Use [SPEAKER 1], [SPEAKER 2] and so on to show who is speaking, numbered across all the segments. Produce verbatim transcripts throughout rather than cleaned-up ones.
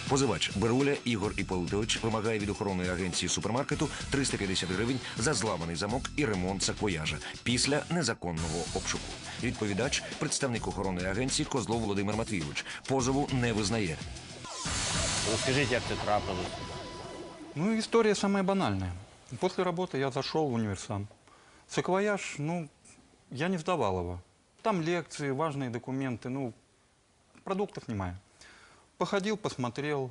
[SPEAKER 1] Позивач Беруля Ігор Іполитович вимагає від охоронної агенції супермаркету триста п'ятдесят гривень за зламаний замок і ремонт саквояжа після незаконного обшуку. Відповідач – представник охоронної агенції Козлов Володимир Матвійович. Позову не визнає.
[SPEAKER 2] Розкажіть, як це трапилось?
[SPEAKER 3] Ну, история самая банальная. После работы я зашел в универсам. Саквояж, ну, я не сдавал его. Там лекции, важные документы, ну, продуктов немає. Походил, посмотрел.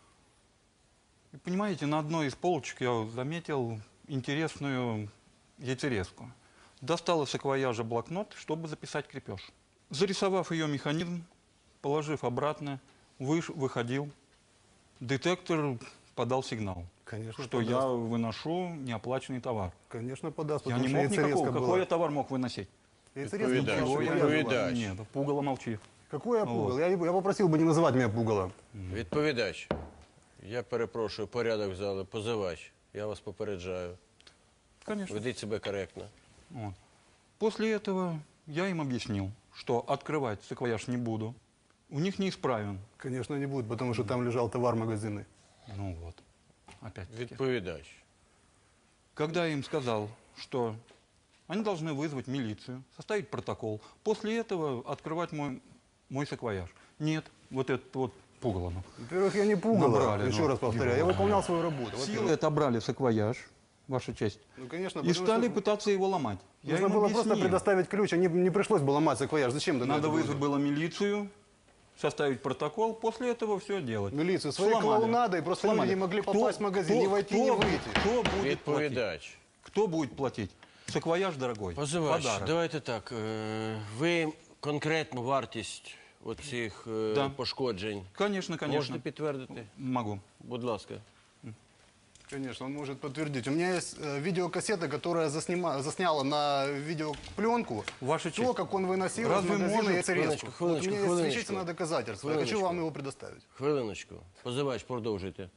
[SPEAKER 3] И, понимаете, на одной из полочек я заметил интересную яйцерезку. Достал из саквояжа блокнот, чтобы записать крепеж. Зарисовав ее механизм, положив обратно, выш, выходил. Детектор подал сигнал,
[SPEAKER 4] Конечно,
[SPEAKER 3] что
[SPEAKER 4] подаст.
[SPEAKER 3] я выношу неоплаченный товар.
[SPEAKER 4] Конечно, подаст.
[SPEAKER 3] Я
[SPEAKER 4] потому
[SPEAKER 3] не
[SPEAKER 4] что
[SPEAKER 3] мог никакого.
[SPEAKER 4] яйцерезка
[SPEAKER 3] Какой я
[SPEAKER 4] была.
[SPEAKER 3] товар мог выносить?
[SPEAKER 4] Яйцерезка
[SPEAKER 2] Відповідач,
[SPEAKER 4] была,
[SPEAKER 3] Чего я-
[SPEAKER 2] відповідач.
[SPEAKER 3] Нет, пугало молчи.
[SPEAKER 4] Какой я
[SPEAKER 3] Вот.
[SPEAKER 4] пугал? Я, я попросил бы не называть меня пугалом.
[SPEAKER 2] Відповідач. Я перепрошую, порядок в залі. Позивач. Я вас попереджаю.
[SPEAKER 3] Конечно.
[SPEAKER 2] Ведіть себе коректно.
[SPEAKER 3] Вот. После этого я им объяснил, что открывать саквояж не буду. У них неисправен.
[SPEAKER 4] Конечно, не будет, потому что там лежал товар магазинный.
[SPEAKER 3] Ну вот, опять.
[SPEAKER 2] Відповідач.
[SPEAKER 3] Когда я им сказал, что они должны вызвать милицию, составить протокол, после этого открывать мой, мой саквояж. Нет, вот этот вот пугало. ну.
[SPEAKER 4] Во-первых, я не пугал,
[SPEAKER 3] Набрали,
[SPEAKER 4] еще
[SPEAKER 3] ну,
[SPEAKER 4] раз повторяю. Я выполнял свою работу.
[SPEAKER 3] Силы
[SPEAKER 4] во-первых.
[SPEAKER 3] отобрали саквояж, ваша честь,
[SPEAKER 4] Ну, конечно,
[SPEAKER 3] и
[SPEAKER 4] потому
[SPEAKER 3] стали
[SPEAKER 4] что
[SPEAKER 3] пытаться его ломать. Я
[SPEAKER 4] нужно
[SPEAKER 3] им
[SPEAKER 4] было просто
[SPEAKER 3] объяснил.
[SPEAKER 4] предоставить ключ, а не, не пришлось бы ломать саквояж. Зачем ты
[SPEAKER 3] Надо
[SPEAKER 4] это
[SPEAKER 3] вызвать
[SPEAKER 4] делал?
[SPEAKER 3] было милицию, составить протокол, после этого все делать.
[SPEAKER 4] Милицию, своей
[SPEAKER 3] Сломали.
[SPEAKER 4] клоунадой просто люди не могли попасть в магазин, не войти, не выйти.
[SPEAKER 3] Кто будет платить?
[SPEAKER 2] Відповідач.
[SPEAKER 3] Кто будет платить? Саквояж дорогой.
[SPEAKER 2] Позивач,
[SPEAKER 3] Подарок.
[SPEAKER 2] давайте так. е, Ви конкретну вартість оцих е,
[SPEAKER 3] Да.
[SPEAKER 2] пошкоджень
[SPEAKER 3] Конечно, конечно.
[SPEAKER 2] можете підтвердити?
[SPEAKER 3] Могу.
[SPEAKER 2] Будь ласка.
[SPEAKER 4] Конечно, он может подтвердить. У меня есть э, видеокассета, которая заснима, засняла на видеопленку
[SPEAKER 3] Ваша
[SPEAKER 4] то,
[SPEAKER 3] честь.
[SPEAKER 4] как он выносил
[SPEAKER 3] Разве
[SPEAKER 4] из магазина
[SPEAKER 3] может-
[SPEAKER 4] яйцерезку.
[SPEAKER 2] Хвилиночку,
[SPEAKER 4] Вот у
[SPEAKER 2] хвилиночку,
[SPEAKER 4] меня есть
[SPEAKER 2] хвилиночку.
[SPEAKER 4] вещественное доказательство. Я хочу
[SPEAKER 2] Хвилиночку.
[SPEAKER 4] вам его предоставить.
[SPEAKER 2] Хвилиночку. Позивач, продовжуйте.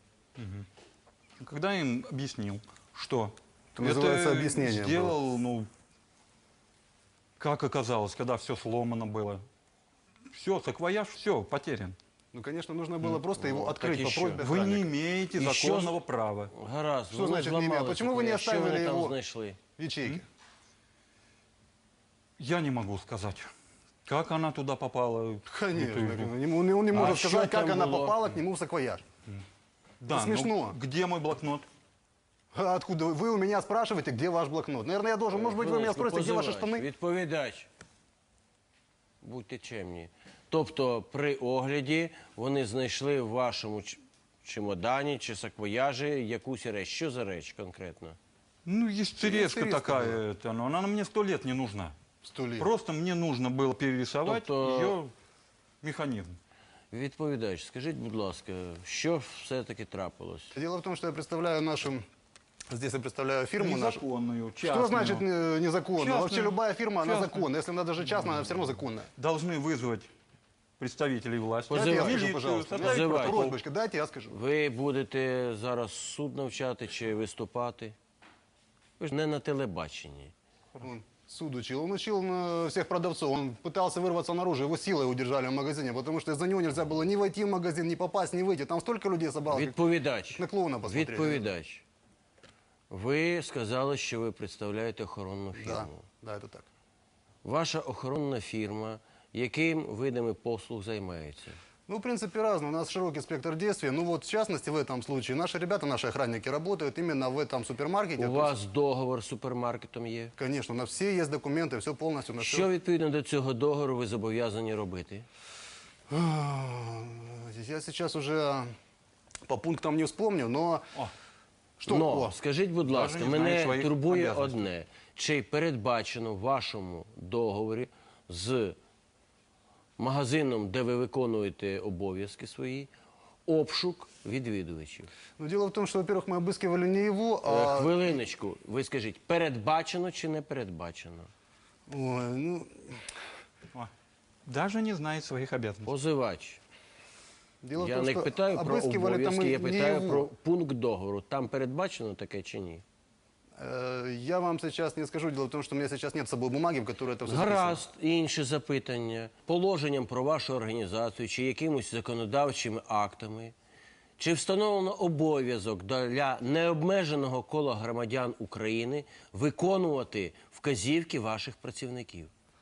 [SPEAKER 3] Когда я им объяснил, что
[SPEAKER 4] Это называется объяснение
[SPEAKER 3] сделал, ну, как оказалось, когда все сломано было. Все, саквояж, все, потерян.
[SPEAKER 4] Ну, конечно, нужно было просто его открыть
[SPEAKER 2] так
[SPEAKER 4] по
[SPEAKER 2] еще.
[SPEAKER 4] просьбе
[SPEAKER 3] Вы не
[SPEAKER 4] охранника.
[SPEAKER 3] имеете
[SPEAKER 2] И что
[SPEAKER 3] законного права.
[SPEAKER 2] Гаразд.
[SPEAKER 4] Що
[SPEAKER 2] вони
[SPEAKER 4] значить не
[SPEAKER 2] зламали
[SPEAKER 4] ім'я? Почему ви не
[SPEAKER 2] саквояж. Що
[SPEAKER 4] оставили
[SPEAKER 2] вони там
[SPEAKER 4] його?
[SPEAKER 2] знайшли?
[SPEAKER 4] В ячейке.
[SPEAKER 3] Я не могу сказать, как она туда попала.
[SPEAKER 4] Конечно.
[SPEAKER 3] Это-
[SPEAKER 4] Он не, он не может
[SPEAKER 2] А
[SPEAKER 4] сказать,
[SPEAKER 2] что там
[SPEAKER 4] как она
[SPEAKER 2] было?
[SPEAKER 4] попала к нему в саквояж.
[SPEAKER 3] Да,
[SPEAKER 4] смешно.
[SPEAKER 3] ну, где мой блокнот?
[SPEAKER 4] А откуда? вы? Вы у меня спрашиваете, где ваш блокнот. Наверное, я должен, может быть, вы меня
[SPEAKER 2] Хвилиночку,
[SPEAKER 4] спросите, где ваши
[SPEAKER 2] позивач,
[SPEAKER 4] штаны?
[SPEAKER 2] Відповідач. Будьте чемні. Тобто при огляді вони знайшли в вашому ч- чемодані чи саквояжі якусь реч. Що за реч конкретно?
[SPEAKER 3] Ну, есть церезка
[SPEAKER 4] церезка
[SPEAKER 3] такая, это, но она мне сто лет не нужна.
[SPEAKER 4] Сто лет.
[SPEAKER 3] Просто мне нужно было перерисовать
[SPEAKER 2] Тобто-
[SPEAKER 3] ее механизм.
[SPEAKER 2] Відповідач, скажіть, будь ласка, що все-таки трапилось?
[SPEAKER 4] Дело в том, что я представляю нашу... Здесь я представляю фирму нашу.
[SPEAKER 3] Незаконную,
[SPEAKER 4] Что
[SPEAKER 3] частную.
[SPEAKER 4] значит э, незаконно?
[SPEAKER 3] Частную.
[SPEAKER 4] Вообще любая фирма, она
[SPEAKER 3] Частную.
[SPEAKER 4] законная. Если она даже частная, она все равно законная.
[SPEAKER 3] Должны вызвать представителей власти.
[SPEAKER 4] Дайте я
[SPEAKER 2] Позывай.
[SPEAKER 4] скажу,
[SPEAKER 3] Милицию,
[SPEAKER 4] пожалуйста.
[SPEAKER 3] составить
[SPEAKER 2] Позывай.
[SPEAKER 3] протокол.
[SPEAKER 4] Просьбочка, дайте я скажу.
[SPEAKER 2] Ви будете зараз суд навчати чи виступати? Ви ж не на телебаченні.
[SPEAKER 4] Он суд учил. Он учил э, всех продавцов. Он пытался вырваться наружу. Его силой удержали в магазине, потому что из-за него нельзя было ни войти в магазин, ни попасть, ни выйти. Там столько людей собралось. как
[SPEAKER 2] Відповідач.
[SPEAKER 4] на клоуна посмотреть.
[SPEAKER 2] Відповідач. Ви сказали, що ви представляєте охоронну
[SPEAKER 4] Да,
[SPEAKER 2] фірму.
[SPEAKER 4] да, это так.
[SPEAKER 2] Ваша охоронна фірма яким видами послуг займається?
[SPEAKER 4] Ну, в принципе, разные. У нас широкий спектр действий. Ну, вот, в частности, в этом случае, наши ребята, наши охранники работают именно в этом супермаркете.
[SPEAKER 2] У вас договор з супермаркетом є?
[SPEAKER 4] Конечно, на все есть документы, все полностью на
[SPEAKER 2] Що відповідно до цього договору ви зобов'язані робити?
[SPEAKER 4] Я сейчас уже по пунктам не вспомню, но...
[SPEAKER 3] О.
[SPEAKER 4] Что?
[SPEAKER 2] Но,
[SPEAKER 4] О,
[SPEAKER 2] скажіть, будь ласка,
[SPEAKER 3] не знаю
[SPEAKER 2] мене
[SPEAKER 3] своїх
[SPEAKER 2] турбує
[SPEAKER 3] обов'язків.
[SPEAKER 2] одне. Чи передбачено в вашому договорі з магазином, де ви виконуєте обов'язки свої, обшук відвідувачів?
[SPEAKER 4] ну, дело в том, что, во-первых, мы обыскивали не его,
[SPEAKER 2] Е,
[SPEAKER 4] а...
[SPEAKER 2] Хвилиночку, ви скажіть, передбачено чи не передбачено?
[SPEAKER 4] Ой, ну,
[SPEAKER 3] О, даже не знает своих обязанностей.
[SPEAKER 2] Позивач.
[SPEAKER 4] дело в
[SPEAKER 2] Я
[SPEAKER 4] том,
[SPEAKER 2] не
[SPEAKER 4] что
[SPEAKER 2] питаю про
[SPEAKER 4] обыскивали там
[SPEAKER 2] обов'язки,
[SPEAKER 4] и
[SPEAKER 2] я
[SPEAKER 4] не
[SPEAKER 2] питаю
[SPEAKER 4] его.
[SPEAKER 2] про пункт договору. Там передбачено таке чи ні?
[SPEAKER 4] Э, Я вам сейчас не скажу. Дело в том, что у меня сейчас нет с собой бумаги, в которой это все
[SPEAKER 2] Гаразд, інше запитання. Положенням про вашу організацію чи якимось законодавчими актами Чи встановлено обов'язок для необмеженого кола громадян України виконувати вказівки ваших працівників?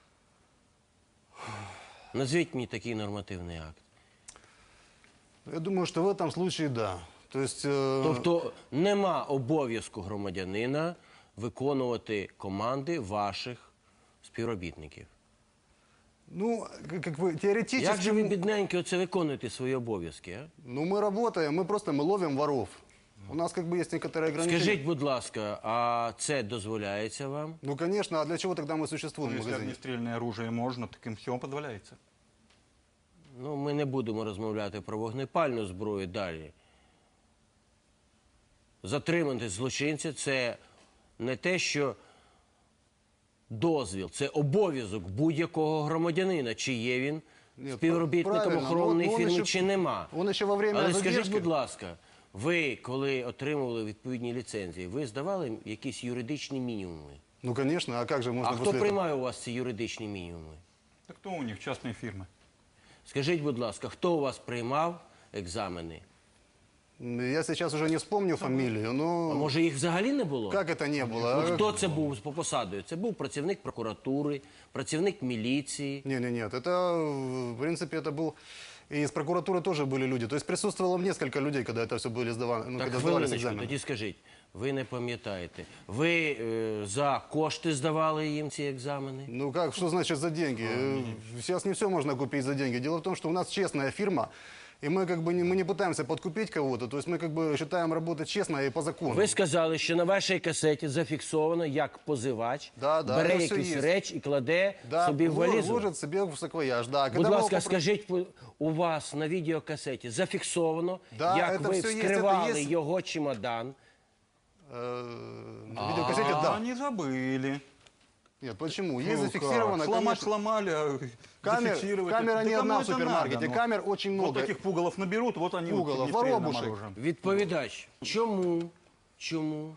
[SPEAKER 2] Назвіть мені такий нормативний акт.
[SPEAKER 4] Я думаю, что в этом случае да. То есть, э,
[SPEAKER 2] Тобто нема обов'язку громадянина виконувати команди ваших співробітників.
[SPEAKER 4] ну, как, как вы теоретически...
[SPEAKER 2] Як же ви, бідненькі, оце виконуєте свої обов'язки, а?
[SPEAKER 4] Ну, мы работаем, мы просто мы ловим воров. У нас как бы есть некоторые ограничения.
[SPEAKER 2] Скажіть, будь ласка, а це дозволяється вам?
[SPEAKER 4] Ну, конечно, а для чего тогда мы существуем
[SPEAKER 3] Ну,
[SPEAKER 4] в
[SPEAKER 3] если
[SPEAKER 4] магазине?
[SPEAKER 3] огнестрельное оружие можно, так им все позволяется.
[SPEAKER 2] Ну, ми не будемо розмовляти про вогнепальну зброю далі. Затримати злочинця – це не те, що дозвіл, це обов'язок будь-якого громадянина, чи є він
[SPEAKER 4] Ні,
[SPEAKER 2] співробітником
[SPEAKER 4] правильно,
[SPEAKER 2] охоронної
[SPEAKER 4] ну, от він
[SPEAKER 2] фірми,
[SPEAKER 4] ще-
[SPEAKER 2] чи нема.
[SPEAKER 4] він ще во время
[SPEAKER 2] Але скажіть,
[SPEAKER 4] задержки-
[SPEAKER 2] будь ласка, ви, коли отримували відповідні ліцензії, ви здавали якісь юридичні мінімуми?
[SPEAKER 4] Ну, конечно, а как же можно
[SPEAKER 2] А хто
[SPEAKER 4] после этого?
[SPEAKER 2] приймає у вас ці юридичні мінімуми?
[SPEAKER 3] Так кто у них? Частные фирмы.
[SPEAKER 2] Скажіть, будь ласка, хто у вас приймав екзамени?
[SPEAKER 4] Я сейчас уже не вспомню фамилию,
[SPEAKER 2] А
[SPEAKER 4] но
[SPEAKER 2] може їх взагалі не було?
[SPEAKER 4] как это не было?
[SPEAKER 2] Ну, хто це був по посадою? Це був працівник прокуратури, працівник міліції.
[SPEAKER 4] Не, не, нет, это, в принципе, это был... И из прокуратуры тоже были люди. То есть присутствовало несколько людей, когда это все были сдаваны, ну,
[SPEAKER 2] Так,
[SPEAKER 4] когда сдавались
[SPEAKER 2] хвилиночку,
[SPEAKER 4] экзамены.
[SPEAKER 2] тоді скажіть, ви не пам'ятаєте, ви е, за кошти здавали їм ці екзамени?
[SPEAKER 4] Ну как, что значит за деньги? Э, Сейчас не все можно купить за деньги. Дело в том, что у нас честная фирма, и мы как бы не, мы не пытаемся подкупить кого-то. То есть мы как бы считаем работать честно и по закону.
[SPEAKER 2] Ви сказали, що на вашій касеті зафіксовано, як позивач
[SPEAKER 4] Да, да,
[SPEAKER 2] бере
[SPEAKER 4] це все
[SPEAKER 2] якусь
[SPEAKER 4] є.
[SPEAKER 2] реч і кладе
[SPEAKER 4] Да,
[SPEAKER 2] собі в
[SPEAKER 4] ло-
[SPEAKER 2] валізу.
[SPEAKER 4] ложит себе в саквояж, да.
[SPEAKER 2] Будь
[SPEAKER 4] Когда мы
[SPEAKER 2] ласка,
[SPEAKER 4] его попро-
[SPEAKER 2] скажіть, у вас на відеокасеті зафіксовано,
[SPEAKER 4] Да,
[SPEAKER 2] як
[SPEAKER 4] це
[SPEAKER 2] ви
[SPEAKER 4] все є, це
[SPEAKER 2] вскривали
[SPEAKER 4] є.
[SPEAKER 2] його чемодан.
[SPEAKER 4] Э, на видеокассете,
[SPEAKER 3] А,
[SPEAKER 4] да.
[SPEAKER 3] они забыли.
[SPEAKER 4] Нет, почему?
[SPEAKER 3] Ну
[SPEAKER 4] Есть
[SPEAKER 3] как?
[SPEAKER 4] зафиксировано,
[SPEAKER 3] Сломать
[SPEAKER 4] конечно.
[SPEAKER 3] сломали, а
[SPEAKER 4] Камер-
[SPEAKER 3] зафиксировать.
[SPEAKER 4] камера
[SPEAKER 3] Да
[SPEAKER 4] не
[SPEAKER 3] кому
[SPEAKER 4] одна в
[SPEAKER 3] это
[SPEAKER 4] супермаркете,
[SPEAKER 3] надо, ну?
[SPEAKER 4] камер очень много.
[SPEAKER 3] Вот таких пугалов наберут, вот они
[SPEAKER 4] Пугалов,
[SPEAKER 3] вот огнестрельным
[SPEAKER 4] воробушек.
[SPEAKER 3] оружием.
[SPEAKER 2] Відповідач, чому, чому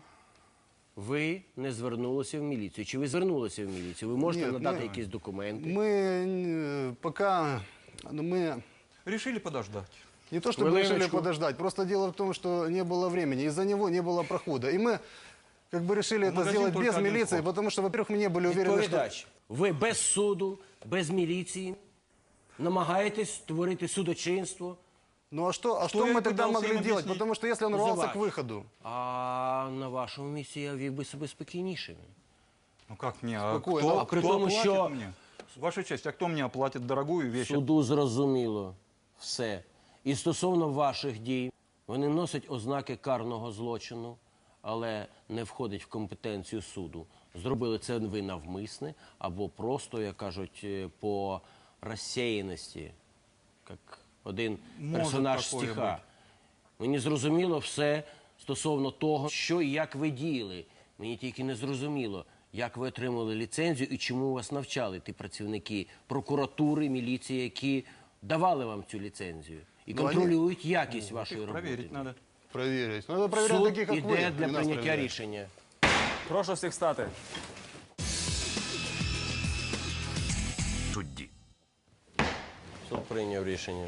[SPEAKER 2] ви не звернулися в міліцію? Чи ви звернулися в міліцію? Ви можете
[SPEAKER 4] Ні,
[SPEAKER 2] надати
[SPEAKER 4] ми-
[SPEAKER 2] якісь документи?
[SPEAKER 4] Мы э, пока, ну, мы
[SPEAKER 3] Решили подождать.
[SPEAKER 4] не то чтобы
[SPEAKER 2] Хвилиночку.
[SPEAKER 4] решили подождать, просто дело в том, что не было времени, из-за него не было прохода. И мы как бы решили
[SPEAKER 3] В
[SPEAKER 4] это
[SPEAKER 3] магазин
[SPEAKER 4] сделать
[SPEAKER 3] только
[SPEAKER 4] без
[SPEAKER 3] один
[SPEAKER 4] милиции,
[SPEAKER 3] вход.
[SPEAKER 4] потому что, во-первых, мы не были уверены, что...
[SPEAKER 2] Відповідач, ви без суду, без міліції намагаєтесь створити судочинство,
[SPEAKER 4] Ну а что, а
[SPEAKER 3] Что
[SPEAKER 4] что
[SPEAKER 3] я
[SPEAKER 4] мы тогда
[SPEAKER 3] пытался
[SPEAKER 4] могли
[SPEAKER 3] им
[SPEAKER 4] делать?
[SPEAKER 3] объяснить?
[SPEAKER 4] Потому что если он рвался
[SPEAKER 2] Позывач.
[SPEAKER 4] к выходу,
[SPEAKER 2] а на вашому місці я вів би себе спокійнішим.
[SPEAKER 3] Ну как мне? А
[SPEAKER 4] Спокойно.
[SPEAKER 3] кто,
[SPEAKER 4] А
[SPEAKER 2] при
[SPEAKER 3] кто
[SPEAKER 2] том
[SPEAKER 3] оплатит
[SPEAKER 2] еще-
[SPEAKER 3] мне? Ваша честь, а кто мне оплатит дорогую вещь?
[SPEAKER 2] Суду зрозуміло все. І стосовно ваших дій, вони носять ознаки карного злочину, але не входять в компетенцію суду. Зробили це ви навмисне або просто, як кажуть, е, по розсіяності, як один
[SPEAKER 3] Може
[SPEAKER 2] персонаж
[SPEAKER 3] такое
[SPEAKER 2] стиха.
[SPEAKER 3] бути.
[SPEAKER 2] Мені зрозуміло все стосовно того, що і як ви діяли. Мені тільки не зрозуміло, як ви отримали ліцензію і чому вас навчали ті працівники прокуратури, міліції, які давали вам цю ліцензію і
[SPEAKER 4] Ну, вони-
[SPEAKER 2] контролюють якість вашої
[SPEAKER 3] Их
[SPEAKER 2] роботи.
[SPEAKER 3] проверить надо.
[SPEAKER 4] проверить. Надо проверять
[SPEAKER 2] Суд
[SPEAKER 4] таких, как вы.
[SPEAKER 2] іде
[SPEAKER 4] не
[SPEAKER 2] для
[SPEAKER 4] нас
[SPEAKER 2] прийняття
[SPEAKER 4] проверять.
[SPEAKER 2] рішення.
[SPEAKER 5] Прошу всіх стати.
[SPEAKER 1] Судді.
[SPEAKER 2] Суд прийняв рішення.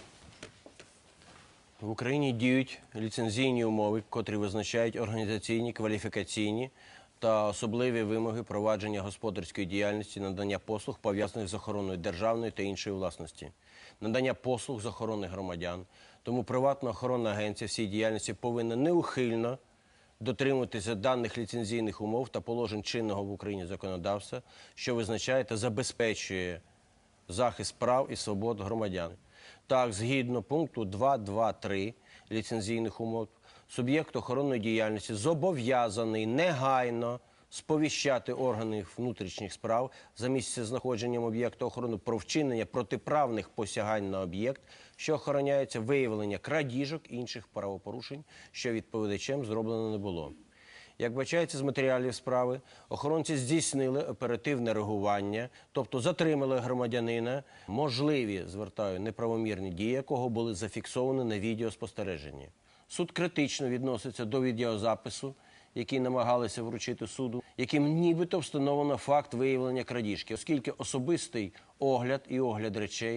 [SPEAKER 2] В Україні діють ліцензійні умови, котрі визначають організаційні, кваліфікаційні та особливі вимоги провадження господарської діяльності, надання послуг, пов'язаних з охороною державної та іншої власності, надання послуг з охорони громадян. Тому приватна охоронна агенція всій діяльності повинна неухильно дотримуватися даних ліцензійних умов та положень чинного в Україні законодавства, що визначає та забезпечує захист прав і свобод громадян. Так, згідно пункту два точка два точка три ліцензійних умов, суб'єкт охоронної діяльності зобов'язаний негайно сповіщати органи внутрішніх справ за місце знаходженням об'єкту охорони про вчинення протиправних посягань на об'єкт, що охороняється, виявлення крадіжок і інших правопорушень, що відповідачем зроблено не було. Як бачається з матеріалів справи, охоронці здійснили оперативне реагування, тобто затримали громадянина, можливі, звертаю, неправомірні дії якого були зафіксовані на відеоспостереженні. Суд критично відноситься до відеозапису, який намагалися вручити суду, яким нібито встановлено факт виявлення крадіжки, оскільки особистий огляд і огляд речей,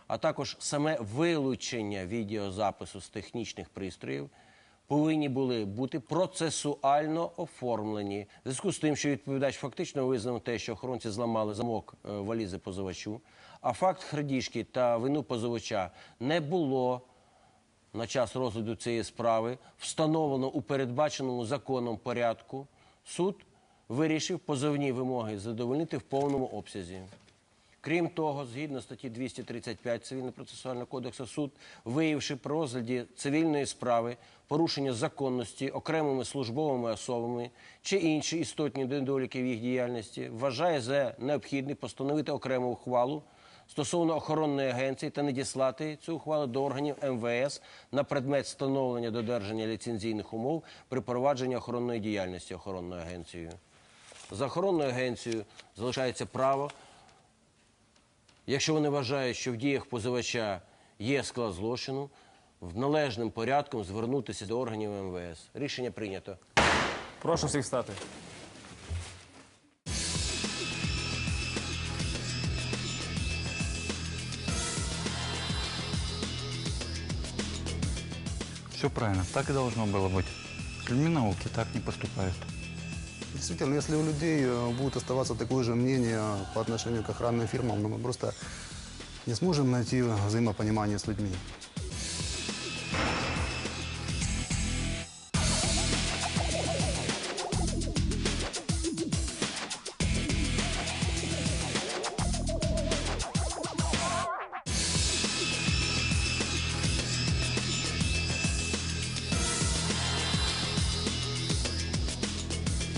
[SPEAKER 2] а також саме вилучення відеозапису з технічних пристроїв повинні були бути процесуально оформлені. В зв'язку з тим, що відповідач фактично визнав те, що охоронці зламали замок е, валізи позивачу, а факт крадіжки та вину позивача не було на час розгляду цієї справи встановлено у передбаченому законом порядку, суд вирішив позовні вимоги задовольнити в повному обсязі. Крім того, згідно статті двісті тридцять п'ять Цивільно-процесуального кодексу, суд, виявивши при розгляді цивільної справи порушення законності окремими службовими особами чи інші істотні недоліки в їх діяльності, вважає за необхідне постановити окрему ухвалу стосовно охоронної агенції та надіслати цю ухвалу до органів ем ве ес на предмет встановлення додержання ліцензійних умов при провадженні охоронної діяльності охоронною агенцією. За охоронною агенцією залишається право, якщо вони вважають, що в діях позивача є склад злочину, в належним порядком звернутися до органів ем ве ес. Рішення прийнято.
[SPEAKER 5] Прошу всіх встати.
[SPEAKER 3] Все правильно, так и должно было быть. С людьми науки так не поступают.
[SPEAKER 4] Действительно, если у людей э, будет оставаться такое же мнение по отношению к охранным фирмам, ну, мы просто не сможем найти взаимопонимание с людьми.